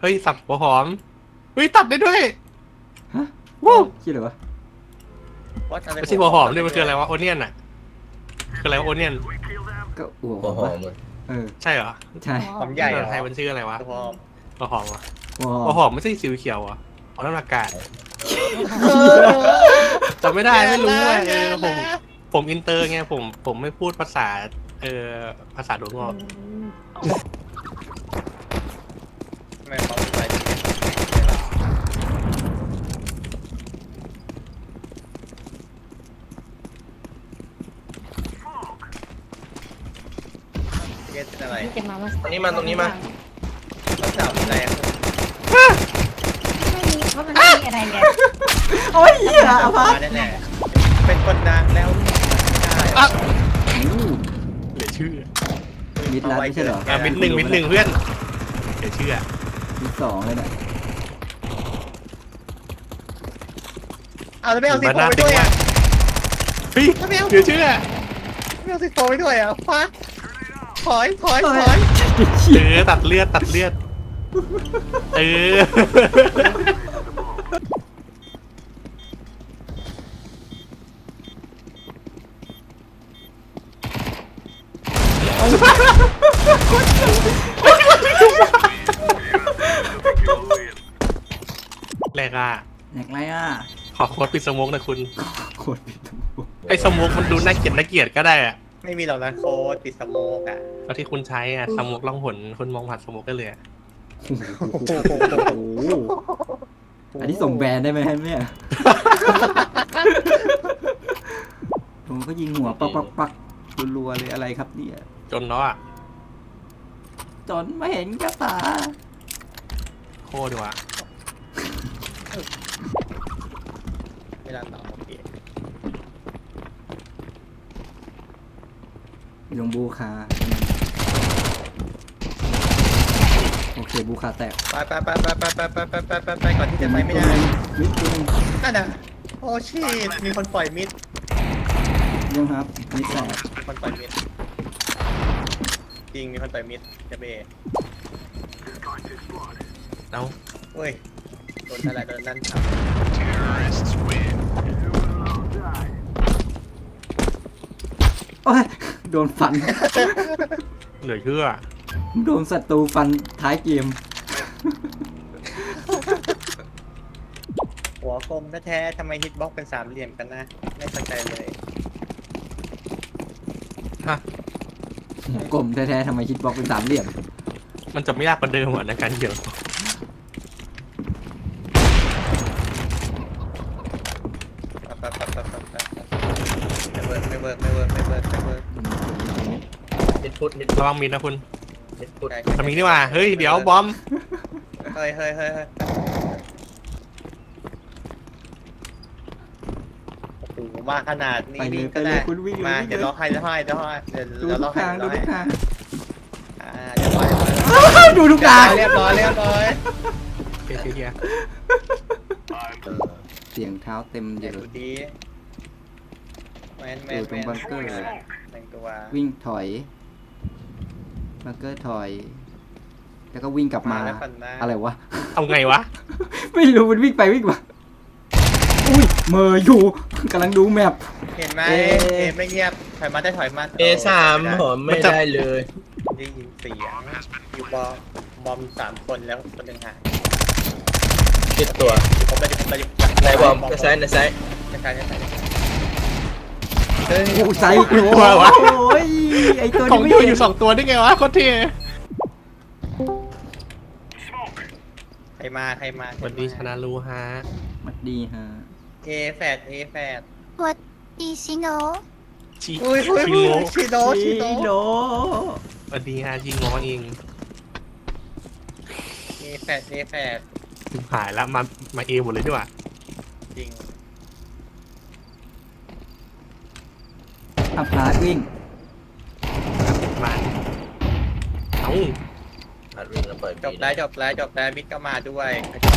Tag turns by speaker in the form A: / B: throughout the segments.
A: ฮ้ยสับหัวหอมเฮ้ยตัดได้ด้วย
B: ฮะ
A: วู้
B: คิดเหรอวะ
A: ไม่ใช่หัวหอมเนี่ยมันคืออะไรวะโอเนียนอ่ะคืออะไรวะโอเนียน
B: ก็หัวห
C: หั
B: อ
C: ว
B: ม
C: หอ
B: วะ
C: มเลย
B: เออ
A: ใช่เหรอ
B: ใช่
D: หอมใหญ่เหร
A: ภา
D: อ
A: ษาไทยมันชื่ออะไรวะ
D: หอม
A: หัวหอมวะ
B: หัวหอ
A: หัว
B: ม
A: หอมไม่ใช่สีเขียวอ่ะอ๋อนั่นอากาศจำไม่ได้ไม่รู้ว่าผมอินเตอร์ไงผมไม่พูดภาษาภาษาดวงงอก
D: ไม่เขาไปเกตเป็นอะไร
E: จะมาว่า
C: ตรงนี้มาตรงนี้มา
D: มันสาวเป็นอะไรอ่ะ
E: ไม่มีเพราะมันไม่มีอะไรเลย
B: โอ้ยเหี้ยอภัส
D: แน่ๆเป็นคนดังแล้วไม่ได้
A: อ่ะ
B: อู้
A: เหลือชื่อ
B: มิดลัดไม่ใช่เหรอ
A: มิดหนึ่งเพื่อนเหลือชื่อ
B: มิดสองเลยเนี่ย
D: เอาแล้วไม่เอาซีโฟไปด้วยอ่ะ
A: เฮ้ยเหลือชื่อ
D: ไม่เอาซีโฟไปด้วยอ่ะฟ้าถอย
A: ตัดเลือดแรกอ่ะ
B: แหนกไรอ่ะ
A: ขอโค้ดปิดสโมกนะคุณ
B: โคตรปิดทั้งหมด
A: ไอ้สโมกมันดูน่าเกลียดก็ได้อะ
D: ไม่มีหรอกนะโค้ดติดสโมกอ่ะ
A: แล้วที่คุณใช้อ่ะสโมกล่องหนคุณมองผ่านสโมกได้เลยอะ
B: โอ้โหอันนี้ส่งแบรนด์ได้ไหมเนี่ยผมก็ยิงหัวปักรัวๆเลยอะไรครับเนี่ย
A: จนเนาะอ่ะ
B: จนไม่เห็นกระตา
A: โคตรดีว่ะ
D: ไม่รันต่อโอเค
B: ยงบูคาโอเคบูคาแตก
D: ไปก่อนที่จะไปไม่ได้
B: มิดตัวหนึง
D: นั่นน่ะโอ้ชีตมีคนปล่อยมิด
B: ยังครับมิดแตก
D: คนปล่อยมิดจริงมีคนปล่อยมิดจะเบ
A: เอ้า
D: เฮ้ยโดนอะไรโดนนั่นครับ
B: โอ้ยโดนฟัน
A: เหลือเชื่อ
B: โดนศัตรูฟันท้ายเกม
D: หัวคมแท้ๆทำไมฮิตบ็อกเป็นสามเหลี่ยมกันนะไม่เข้าใจเลย
A: ฮะ
B: กลมแท้ๆทำไมคิดบล็อกเป็นสามเหลี่ยม
A: มันจะไม่ยากกว่าเดิมเหรอในการเกี่ยว
D: ไม่เวิร์ก
C: มิดพุทมิด
A: ระวังมีนะคุณ
C: มิดพุท
A: ทำมีนี่ว่าเฮ้ยเดี๋ยวบอม
D: เฮ้ยโอ้โหมาขนาดนี้
B: ไปเลย
D: วิ่งก็
B: ไปเล
D: ได้
B: ยคุณวิ่งเลย
D: มา
B: วิ่งเลย
D: เดี๋ยวรอให้เดี๋ยว
B: ดู
D: ร
B: ทุ
D: อกให้
B: ทางดูทุกทาง
D: เดี๋ยวรอ
B: ดูทุกทาง
D: เรียบร้อย
A: เฮีย
B: เสียงเท้าเต็ม
D: เดี๋
B: เย
D: ยว
B: อะ
D: ดูดีแมน
B: อยู่ตรงบังเกอร์
D: แต่งตัว
B: วิ่งถอยบังเกอร์ถอย แล้วก็วิ่งกลับมา
D: แล้วฝันมา
B: อะไรวะ
A: เอาไงวะ
B: ไม่รู้มันวิ่งไปวิ่งมาอุ้ยเมออยู่กำลังดูแมพ
D: เห็นไหม
B: เอ๊ะ
D: เอ็ไม่เงียบถอยมาได้ถอยมา
C: A3 หอมไม่ได้เลย
D: ได้ยินเสียงอยู่บอม3 คนแล้วคนหนึ่งหาย
C: ติดตัว
D: ผมไป
C: ในบอมในซ้ายในซ้าย
D: เฮ้ย
B: โอ้ไซส์
A: ตัววะ
B: โอ้ยไอตัว
A: ของ
B: นี้
A: อยู่
B: ไม่
A: อยู่2 ตัวได้ไงวะโคตรเท่
D: ใครมา
A: สวัสดีชนะรู้ฮะ
B: มัดดีฮะ
D: เอแฟด
E: วัดดีซิโน
A: ชิ
D: อุ้ย
A: ชิโง่
D: ชิโน
A: สวัสดีฮะชิโง่เอง
D: เอแฟด
A: หายแล้วมาเอหมดเลยดีกว่า
D: จริง
B: อัพพาร์ตวิ่ง
A: มาเอ้า
C: อัดวิ่งแล้วปล่อย
D: จบแล้วมิดก็มาด้วย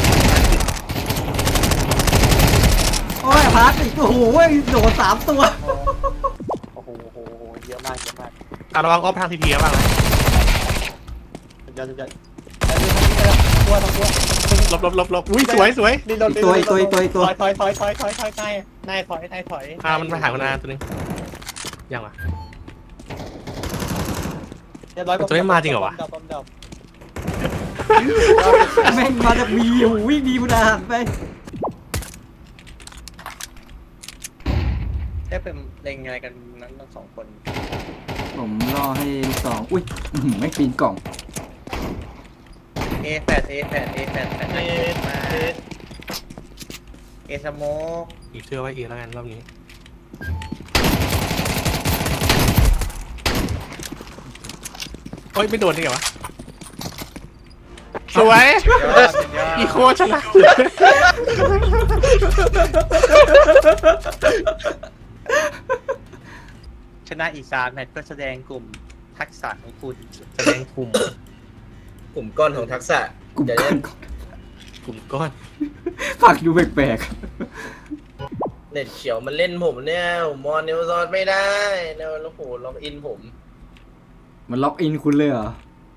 B: โอ้ยอัพพาร์ตอีกโอ้โหโดน3 ตัว
D: โอ้โหเยอะมาก
A: เอาระวังออฟทางทีพีบ้างนะ
D: สุดยอด
A: หลบอุ้ยสวย
D: นี่โดน
B: อีกตัว
D: ถอยนายถอย
A: มันมาหาคนอาตัวนึงยังวะ ตัวนี้มาจริงเหรอวะ
B: แม่งมาจากบีโอ้โหวิ่งดีบุญอาหารไป
D: ได้เป็นเล่นไงกันนั้นทั้งสองคน
B: ผมรอให้ลูกสองอุ้ยไม่ปีนกล่อง
D: เอแฟดมาเอสโมก
A: อีกเชื่อไว้อีกแล้วกันรอบนี้โอ้ยไม่โดนได้ไงวะสวย อีโคชนะ
D: ชนะอีก3แมตช์ก็แสดงกลุ่มทักษะของคุณ
A: แสดงกลุ่ม
C: กลุ่มก้อนของทักษะ
B: กลุ่ม
C: เดี๋ยว
B: ก้อ
C: เล่
B: น
C: น
A: กลุ่มก้อน
B: ฝักดูแปลก
C: เน็ตเขียวมันเล่นผมเนี่ยผมมอนเนวซอนไม่ได้เนี่ยโอ้โหล็อกอินผม
B: ๆมันล็อกอินคุณเลยเหรอ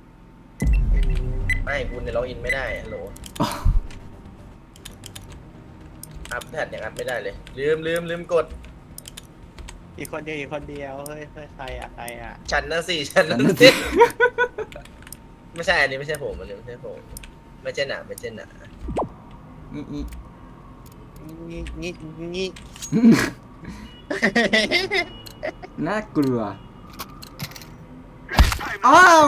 C: ไม่คุณเนี่ยล็อกอินไม่ได้ฮัลโหลอัพแพดยังอัพไม่ได้เลยลืมกด
D: อีกคนเดียวเฮ้ยใครอ่ะ
C: ฉันนะสิฉันนะ
B: นั่น
C: สิ
B: สิ
C: ไม่ใช่อันนี้ไม่ใช่ผมอันนี้ไม่ใช่ผมไม่ใช่หนา
D: นี่
B: น่ากลัวอ้าว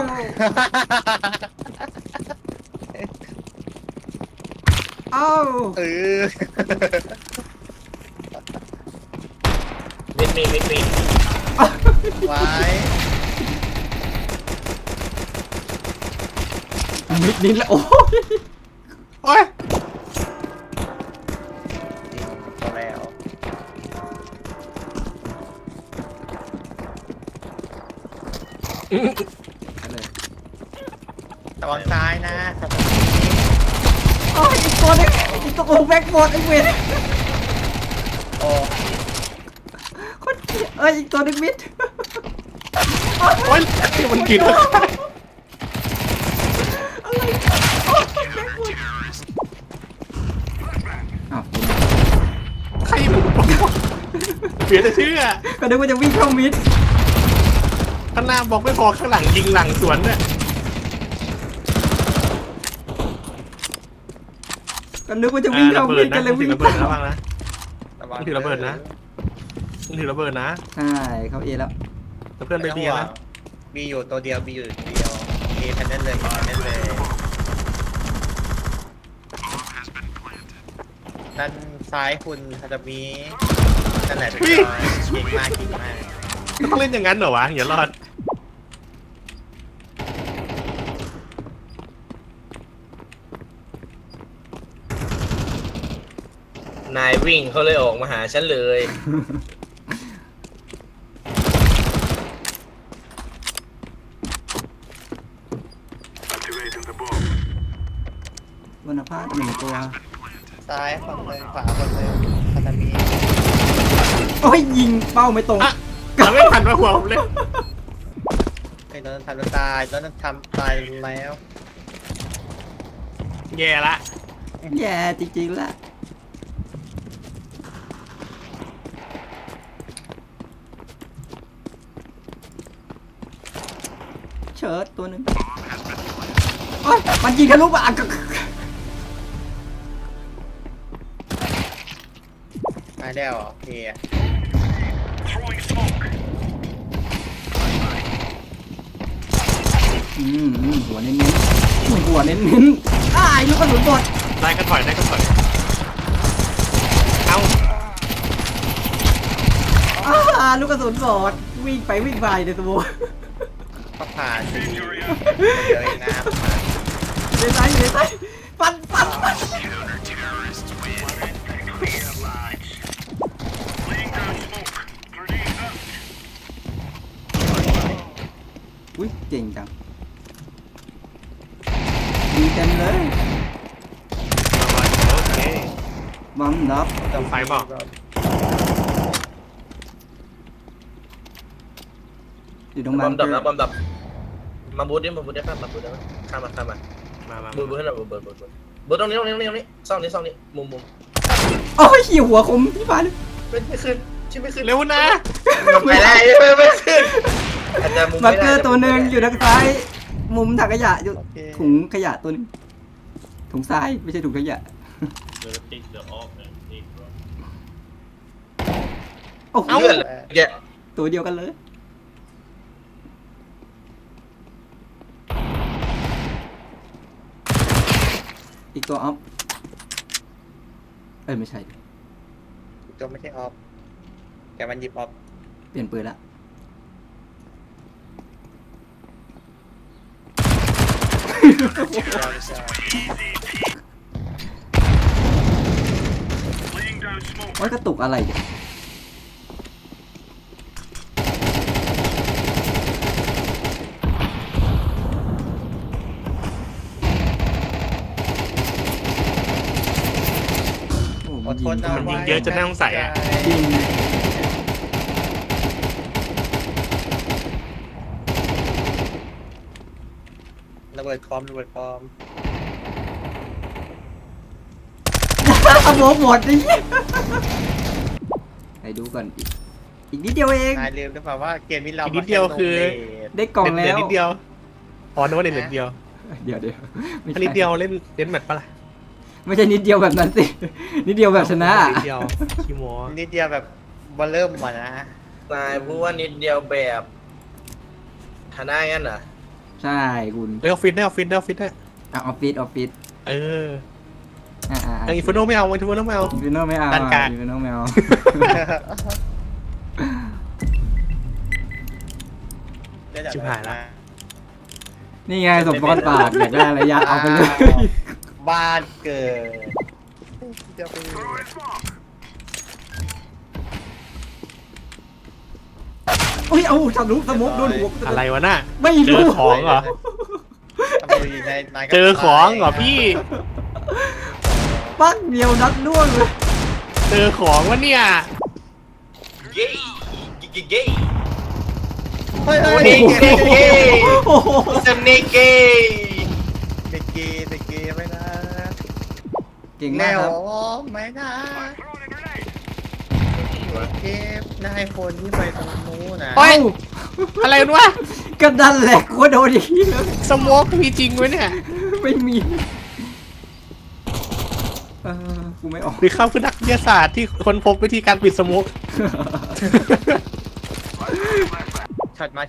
B: อ้าว
D: เออ
C: มิดมี
D: ไว้
B: มิดนิดแล้วโอ้ย
A: โอ้ย
D: พอแล้ว
B: อะไร
D: ตอนซ้ายนะ
B: โอ้ยอีกตัวนึงอีกตัวโอ้แบ็กบอร์ดไอ้เวร
D: โอ้
B: คนเกลียดเอ้ยอีกตัวนึงมิด
A: โอ้ยมันกิน
B: อะไรโอ้ยแบ็กบอร์ดอ้าว
A: ใครมันเปลี่ยนแต่ชื่อ
B: ก็นึกว่าจะวิ่งเข้ามิด
A: ข้างหน้าบอกไม่พอข้างหลังยิงหลังสวนเนี่ย
B: ก็นึกว่าจะวิ่งเข้า
A: ระเบิ
B: มิ
A: ด
B: ด
A: นะ
B: กันเลย
A: ถื
B: วิ่
A: อง ระเบิดนะ
B: เข้า
A: บ้างนะ ถือระเบิดนะ ถือระเบิดนะ
B: ใช่เข้าเอแล้ว
A: แล้วเพื่อนไปเบียร์นะ
D: มีอยู่ตัวเดียวเอแพนเนลเลยด้านซ้ายคุณคาตามินั่นแหละเก่งมาก
A: ต้องเล่นอย่างนั้นเหรอวะอย่ารอด
C: นายวิ่งเขาเลยออกมาหาฉันเลย
B: วรรณภาพหนึ่งตัว
D: ซ้ายคนเลยขวาคนเลยคาตามิ
B: โอ้ยยิงเป้าไม่ตรง
A: อ่ะเราไม่ทันมาหัวผมเลย
D: ไอ้โดนทำตายแล้วทำตายแล้ว
A: แย่ละ
B: แย่จริงๆละเชิดตัวหนึ่งโอ้ยมันยิงทะลุมา
D: ตายแล้วเฮีย
B: หัวเน้นๆหัวเน้นๆอ้ายลูกกระสุนหมด
A: ได้ก็ถอยได้ก็ถอยเอา
B: ลูกกระสุนหมดวิ่งไปวิ่งไปในตัว
D: ก็ผ่านสิเลยน้ำ
B: ในซ้ายอยู่ในซ้ายฟันอุ้ยเก่งจังดีเต็มเลย
A: โอเค
B: บัมดับ
A: ไฟบอก
B: อยู่ตรง
C: บ
B: นั้
C: อน มดับมาบูทได้ป่ะมาบูทได้ป่ะข้ามมา
A: มา
C: เบิร์ดให้หน่อยเบิร์ดตรงนี้ซ่องนี้มุม
B: โอ้ยเหี้ยหัวคมพี่ฟ้าเลย
C: ไม่ขึ้นชิไม่ขึ้น
A: เร็วนะ
C: ไม่ได้ไม่ขึ้นอาจจะมุม
B: มา
C: ไม่
B: เก
C: ได้
B: อร์ตัวหนึ่งอยู่ทางซ้าย มุมถังขยะอยู่
D: โอเค
B: ถุงขยะตัวหนึงถุงทรายไม่ใช่ถุงขยะโอ้โห
C: เลื่อนแก
B: ตัวเดียวกันเลย อีกตัวออฟไม่ใช่ดิ
D: ตัวไม่ใช่ออฟแต่มันหยิบออฟ
B: เปลี่ยนปืนละว่ากระตุกอะไรเนี่ยโอ้
D: อ
B: มั
D: ด
B: น
D: ท
B: ยิ
D: น
B: ง
D: เอา
A: มันยิง
D: ไว้
A: เยอะจนน่าสงสัยอะ
B: ยิง
D: ระเบิดคอม
B: ขโมยหมดดิให้ดูก่อนอีกนิดเดียวเอง
D: นายลืมหรือเปล่าว่าเกมนี้เรา
A: อีกนิดเดียวคือ
B: ได้กล่องแล้
A: เด็ด
B: ว
A: นิดเดียวอ๋อนึกว่าเด็ดนิดเดียว
B: เดี๋ยวไม่
A: อัน
B: ใช่
A: นิดเดียวเล่นแมตช์ปะล่ะ
B: ไม่ใช่นิดเดียวแบบนั้นสิ นิดเดียวแบบชนะ
A: นิดเดียวขี้โม้
D: นิดเดียวแบบบอลเริ่มมานะ
C: นายพูดว่านิดเดียวแบบชนะงั้นเหรอ
B: ใช่คุณ
A: เร็วฟิตได้
B: ออฟฟิศ
A: เออ
B: อ่า
A: อินฟิโนไม่เอาอินฟิโนไม่เอา
B: อินฟิโนไม่เอา
A: ด้านกลาง
B: อินฟิโนไม่เอา
A: ชิบหายละ
B: นี่ไงสมพรปากอยากได้ระยะเอาไปเลย
D: บ้านเกิดจะไป
B: อุ้ยเอาทะลุสมุกโดนหัว
A: อะไรวะน่ะ
B: ไม่
A: เจ
B: รู้
A: อของเหรอ
D: ทำไมนายก็
A: เจอของเหรอพี่
B: ปักเดียวนัดล่วงเลย
A: เจอของวะเนี่ย
C: เย้เย้
D: เฮ้ย
C: โอ้
D: เฮ้
C: ย
D: ย
C: เย้เย้
B: โอ้โห
C: สเนกเก้
D: เด็กเกย์ไม่นะ
B: เก่ง
D: แน
B: มาก
D: ว
B: ครับ
D: ไม่นะเกมนายคนที่ไปตรงนู้นนะ
A: โอ้ย อะไรวะ
B: ก็ดันแหละกูโดนอย่างนี้เลย
A: สโมกมีจริงไหมเนี่ย
B: ไม่มีกูไม่ออก
A: หรือเขาคือนักวิทยาศาสตร์ที่ค้นพบวิธีการปิดสโมก
D: ช็อตมา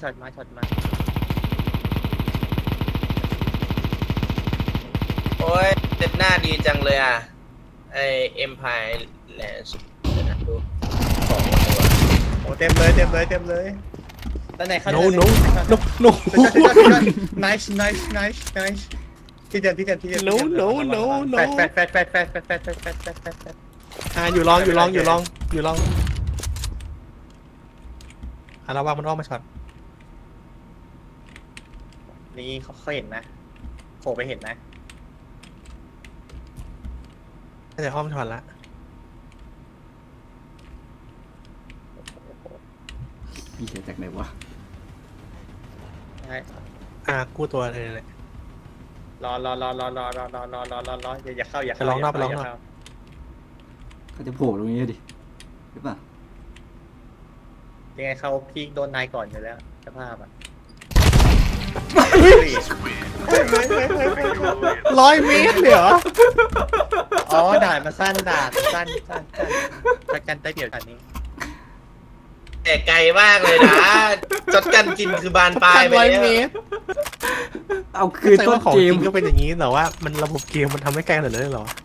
C: โอ้ยเด็ดหน้าดีจังเลยอ่ะไอเอ็มพายแลนด์ดูของตัว
D: โอ้เต็มเลยตอนไหนเขา
A: โนโนโน
D: nice ที่เดิม
A: No
D: แฟด
A: อยู่ลองระวังมันออกมาช็อต
D: นี่เขาเห็นนะโผล่ไปเห็นนะ
A: น่าจะอ้อมช็อตละ
B: พี่เสียจากไหนวะ
A: กู้ตัวเลยเลย
D: รออย่าเข้า
A: ไปลองนอก
B: เขาจะโผล่ตรงนี้ดิหรือเปล่า
D: ยังไงเขาพีคโดนนายก่อนอยู่แล้วสภาพอ่ะ
A: 100 เมตรเลยเหรอ
D: อ๋อด่านมันสั้นประกันได้เดียวกันนี้
C: แต่ไกลมากเลยนะจดกันกินคือบานปลายไป
A: 100
C: แล้ว
A: เมตร
B: เอาคืน
A: แต่
B: ต้
A: ว่าน ของ
B: เก
A: จ
B: ม
A: ริงก็เป็นอย่างนี้แต่ว่ามันระบบเกมมันทำให้ไกลขนาดนั้นเลยเหรอ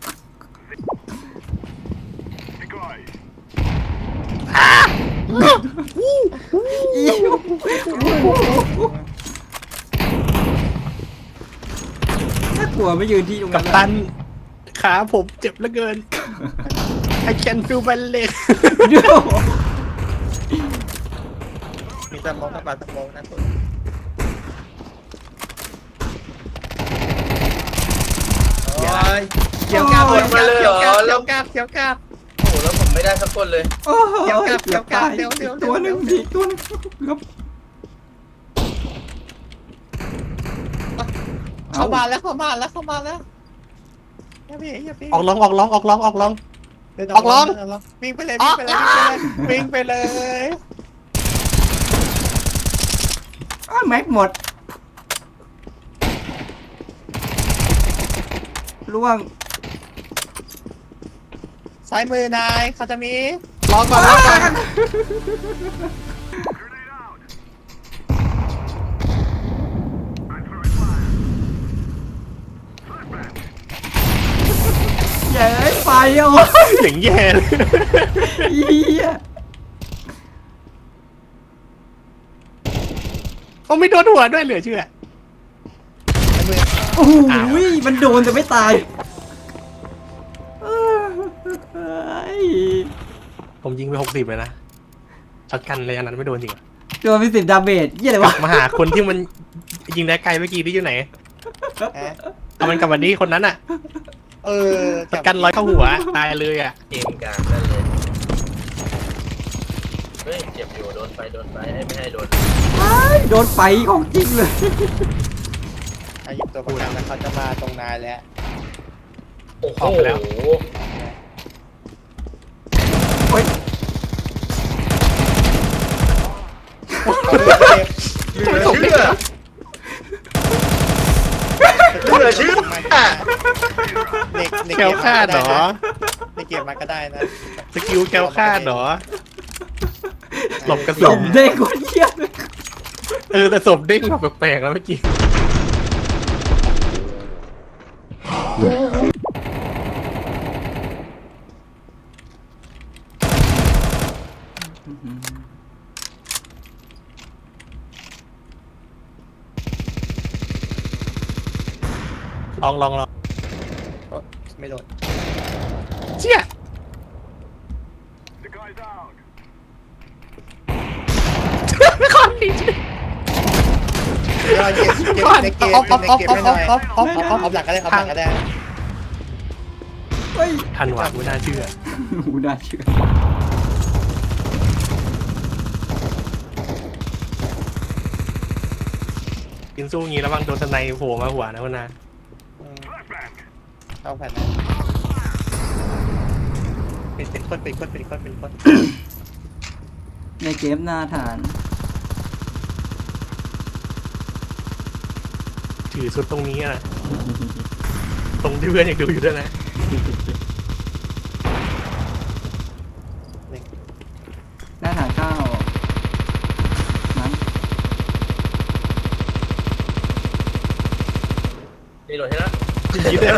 B: ถ้ากลัวไม่ยืนที่ตรง
A: กั
B: นั้
A: ป
B: น
A: ตันขาผมเจ็บเหลือเกิน I can feel my leg
B: เดี๋ยว
D: มีสมองกับปลาสมองนะคุณโอ้ยเกี่ยวกับ
C: หมดมาเลยเหรอแล้ว
D: เกี่ยวกับ
C: โอ้โหแล้วผมไม่ได้สักคนเลย
B: โอ้โห
D: เดี๋ยวกลับ
B: กือบตาย
D: เดี๋ยว
B: ตัวหนึ่ง
D: เดี๋ยว
B: อีกตัวหนึงครับ
D: เข้ามาแล้วอย่าพี่
A: ออกลองออกลองออกลองออกลอง
D: เดิน
A: ออกลอง
D: วิ่งไปเลย
A: ออก
D: วิ่งไปเลย
B: อ้าวแม็กหมดล่วง
D: ซ้ายมือนายเขาจะมี
A: ลองก่อนลองก่อน
B: เย้ไฟโอ้
A: อย่างแย่เลย
B: เหี้ย
A: เขาไม่โดนหัวด้วยเหลือเชื่อ
D: ซ้ายมือ
B: โอ้โหมันโดนแต่ไม่ตายเอ้ย
A: ผมยิงไป60เลยนะช็อตกันเลยอันนั้นไม่โดนจริงอะ
B: โดนไป10 ดาเมจเหี้ยอะไรวะ
A: มาหาคนที่มันยิงได้ไกลเมื่อกี้ที่อยู่ไหน
D: ฮะ
A: เอามันกลับมานี้คนนั้นอ่ะ ช็อตกันร้อยเข้าหัวตายเลยอ่ะ
C: เกมกลางนั่นเลยเฮ้ยเจ็บอยู่โดนไฟไม่ให้โดน
B: โดนไฟของจริงเลย
D: อายุตัวประกันแล้วเขาจะมาตรงนายแล้ว
C: โอ้โห
A: ออกไปแล้ว
B: โอ๊ย
C: เหลือเชื่อ
D: ใน
A: แคลคลาดเหรอ
D: ในเกมมาก็ได้นะ
A: สกิลแคลคลาดเหรอหลบกระ
B: ส
A: สุ
B: ม
A: น
B: เด็กคนเหี้ยเลย
A: แต่ศพเด้งแบบแปลกๆแล้วเมื่อกี้ ลอง
D: ไม่โดน
A: เชี่ย
D: ในเกมไม่หน่อยเอาหลักก็ได้เอาหลักก็ได้
B: เฮ้ย
A: ทันหวะไม่น่าเชื่อ
B: หูน่าเชื่อ
A: กินสู้งี้แล้วบางโดนสไนโผล่มาหัวนะคุณนา
D: เอาแผ่นนะเป็นคน
B: ในเกมหน้าฐาน
A: ถือสุดตรงนี้นะตรงที่เพื่อนยังดูอยู่ด้วยนะ
B: หน้าฐานเข้านั้น
C: นี่โหลดให้แล้ว
A: ยิงเลย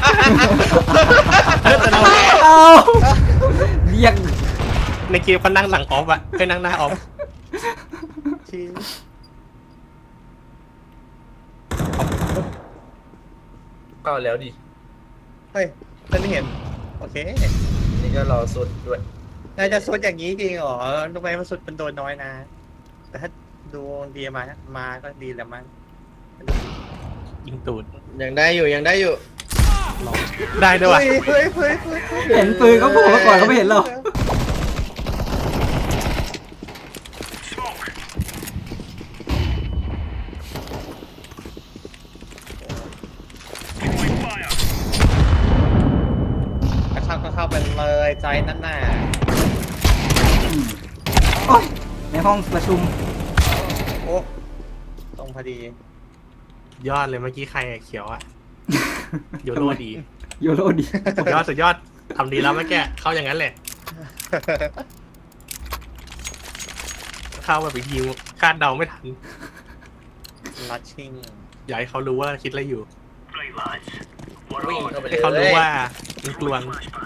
A: แต่เรา
B: เอาเรียก
A: ในเกมเขานั่งหลังออฟอะเคยนั่งหน้าออฟ
D: ชี้
C: เข้าแล้วดิ
D: เฮ้ยฉันไม่เห็นโอเค
C: นี่ก็รอสุดด้วย
D: นายจะสุดอย่างนี้จริงเหรอทำไมมันสุดมันโดนน้อยนะ แต่ถ้าดูดีมาก็ดีแล้วมั้ง
A: ยิงตูด
C: ยังได้อยู่
A: ลองได้ด้วยวะ
D: เฮ้ย
B: เห็นปืนเขาโผล่มาก่อนเขาไม่เห็นหรอก
D: เข้าไปเลยใจนั่นน่ะ
B: โอ๊ยในห้องประชุม
D: โอ้ตรงพอดี
A: ยอดเลยเมื่อกี้ใครอะเขียวอะโยโรดี
B: โยโรดี
A: สุดยอดทำดีแล้วเมื่อกี้เข้าอย่างนั้นแหละ เข้าแบบอีกทีคาดเดาไม่ทัน
D: ลัดชิง
A: อยากให้เขารู้ว่าคิดอะไรอยู่
C: วิ่งเข้าไปเลย
A: ให้เขารู้ว่ามันกลวง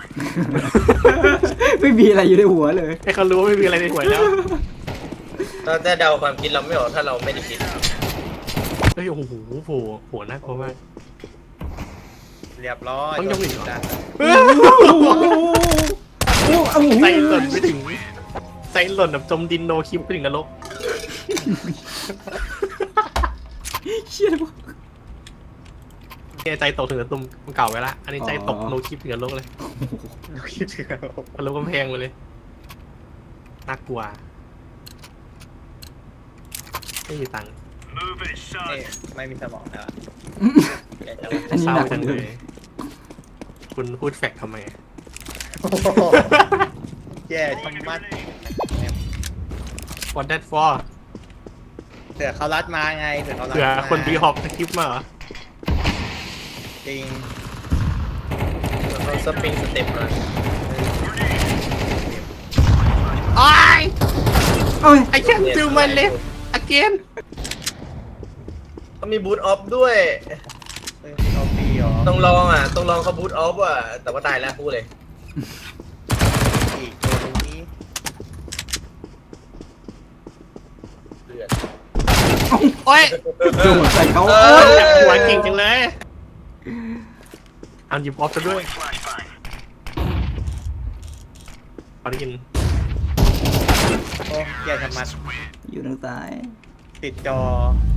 B: ไม่มีอะไรอยู่ในหัวเลย
A: ให้เขารู้ว่าไม่มีอะไรในหัวแล้ว
C: เราจะเดาความคิดเราไม่ออกถ้าเราไม่ได้คิด
A: เฮ้ยโอ้โหโหน่ากลัวมาก
D: เรียบร้อย
A: ต้องยกอีกเหรอ
D: จ้ะ
A: ใส่หล่นไปถึงใส่หล่นแบบจมดินโนคลิปไปถึงนรก
B: เชี่ยเลย
A: ใจตกถึงกระตุ้มเก่าไว้ละอันนี้ใจตกโนคลิปถึงนรกเลย
D: คิดถึงแล้ว
A: ทะลุกำแพงไปเลยน่ากลัวไม่มีตังค์
D: นี่ไม่มีสมองแล้วอะแย่จัง
B: อันนี้
A: เศร้า
B: หนักก
A: จั
B: ว่าง เดิ
A: เล
B: ม
A: ย คุณพูดแฟกทำไม
D: โอ้โหแย่ชะมัด
A: What that for
D: เสือเขารัดมาไงเสือเขารัด
A: เผื่อ
D: มา
A: คนบีฮอปสคริปต์มาเหรอ
D: จริง
C: เขาสปริงสเต็ปมา
A: โอ้ย
B: เอ้ย
A: I can't do my left again
C: เขามีบูทออฟด้วย
D: เอาปีเหรอ
C: ต้องลองอ่ะ ต้องลองเขาบูทออฟอ่ะ แต่ว่าตายแล้วพูดเลย
D: อีกตัวนี้
C: เลือด
A: โอ้ย
B: โดนใส่เขา
C: เอ
B: โอ้
C: อ
B: ย
A: หัวเก่งจังเลยเอาหยิบออฟซะด้วยพอได้ยิน
D: โอ้แย่ชะมัด
B: อยู่ทางซ้าย
D: ติดจอ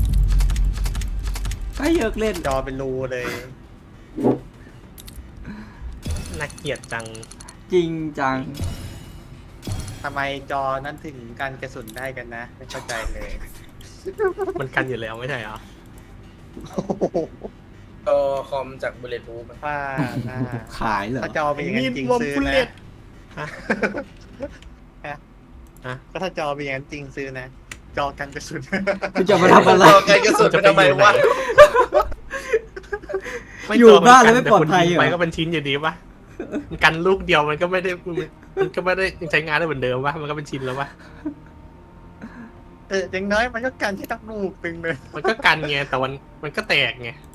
B: ก็เยอะเล่น
D: จอเป็นรูเลย
A: น่าเกลียดจัง
B: จริงจัง
D: ทำไมจอนั้นถึงกันกระสุนได้กันนะ ไม่เข้าใจเลย
A: มันกันอยู่แล้วไม่ใช่เหรอ
D: โอ้โห
C: จอคอมจากบุลเลต p ู o
D: ป้าหน้า
B: ขายเหรอ
D: ถ้าจอเป็นอย่างนั้นจริงซื้อนะ
A: ฮะ ฮะ
D: ก็ถ้าจอเป็นอย่างนั้นจริงซื้อนะ จอกันกระสุน
B: คุณจะมาทำอะไร
C: จอไกลกระสุนไปทำไมวะ
B: อยู่บ้านแล้วไม่ปลอดภัยเหรอ
A: ไปก็เป็นชิ้นอยู่ดีปะมันกันลูกเดียวมันก็ไม่ได้ใช้งานได้เหมือนเดิมปะมันก็เป็นชิ้นแล้วปะ
D: อย่างน้อยมันก็กันที่ตั้งลูกตึงเลย
A: มันก็กันไงแต่มันก็แตกไง